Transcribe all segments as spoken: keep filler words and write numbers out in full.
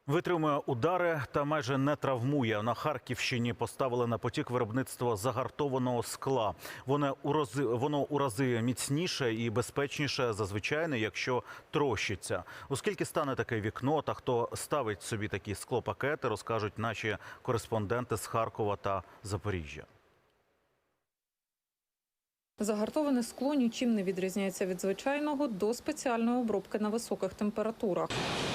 Витримує удари та майже не травмує. На Харківщині поставили на потік виробництво загартованого скла. Воно у рази, воно у рази міцніше і безпечніше за звичайне, якщо трощиться. Оскільки стане таке вікно та хто ставить собі такі склопакети, розкажуть наші кореспонденти з Харкова та Запоріжжя. Загартоване скло нічим не відрізняється від звичайного до спеціальної обробки на високих температурах.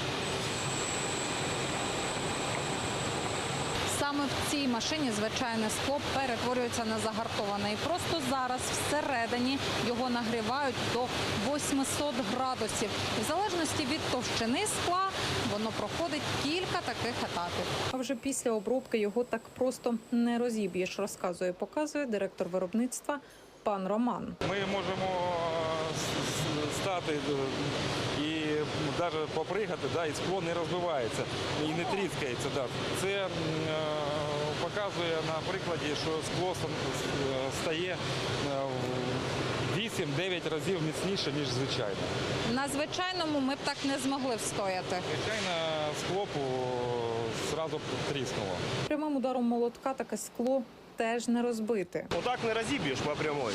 Саме в цій машині звичайне скло перетворюється на загартоване. І просто зараз всередині його нагрівають до восьмисот градусів. В залежності від товщини скла воно проходить кілька таких етапів. А вже після обробки його так просто не розіб'єш, розказує і показує директор виробництва пан Роман. Ми можемо стати і навіть попригати, да, і скло не розбивається і не тріскається. Да. Це е, показує на прикладі, що скло стає вісім-дев'ять разів міцніше, ніж звичайне. На звичайному ми б так не змогли встояти. Звичайно, скло одразу тріснуло. Прямим ударом молотка таке скло теж не розбити. Отак не розіб'єш по прямой.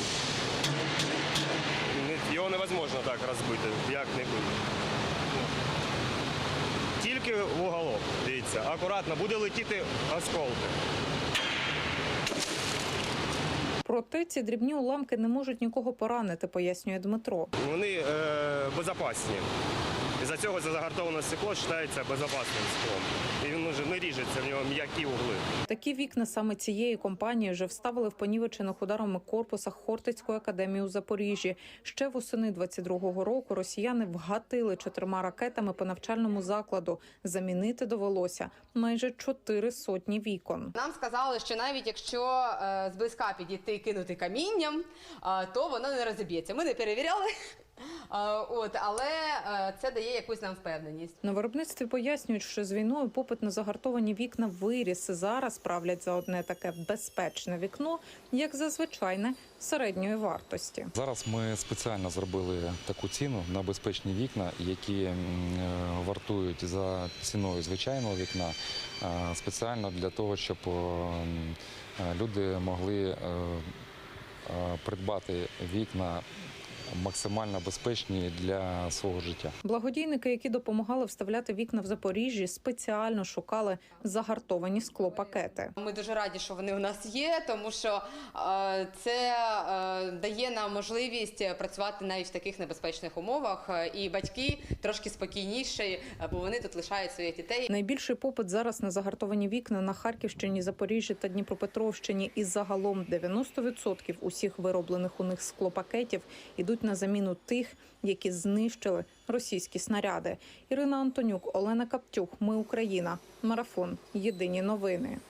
Його невозможно так розбити, як-небудь. Тільки в уголок, дивіться, акуратно, буде летіти осколки. Проте ці дрібні уламки не можуть нікого поранити, пояснює Дмитро. Вони е, безпечні. Із-за цього це загартоване стекло вважається безпечним склом. І він вже не ріжеться, в нього м'які угли. Такі вікна саме цієї компанії вже вставили в понівечених ударами корпусах Хортицької академії у Запоріжжі. Ще восени двадцять другого року росіяни вгатили чотирма ракетами по навчальному закладу. Замінити довелося майже чотири сотні вікон. Нам сказали, що навіть якщо е, зблизька підійти і кинути камінням, е, то воно не розіб'ється. Ми не перевіряли. От, але це дає якусь нам впевненість. На виробництві пояснюють, що з війною попит на загартовані вікна виріс. Зараз правлять за одне таке безпечне вікно, як за звичайне середньої вартості. Зараз ми спеціально зробили таку ціну на безпечні вікна, які вартують за ціною звичайного вікна, спеціально для того, щоб люди могли придбати вікна максимально безпечні для свого життя. Благодійники, які допомагали вставляти вікна в Запоріжжі, спеціально шукали загартовані склопакети. Ми дуже раді, що вони у нас є, тому що е, це е, дає нам можливість працювати навіть в таких небезпечних умовах. І батьки трошки спокійніші, бо вони тут лишають своїх дітей. Найбільший попит зараз на загартовані вікна на Харківщині, Запоріжжі та Дніпропетровщині. І загалом дев'яносто відсотків усіх вироблених у них склопакетів ідуть на заміну тих, які знищили російські снаряди. Ірина Антонюк, Олена Каптюх. Ми Україна. Марафон. Єдині новини.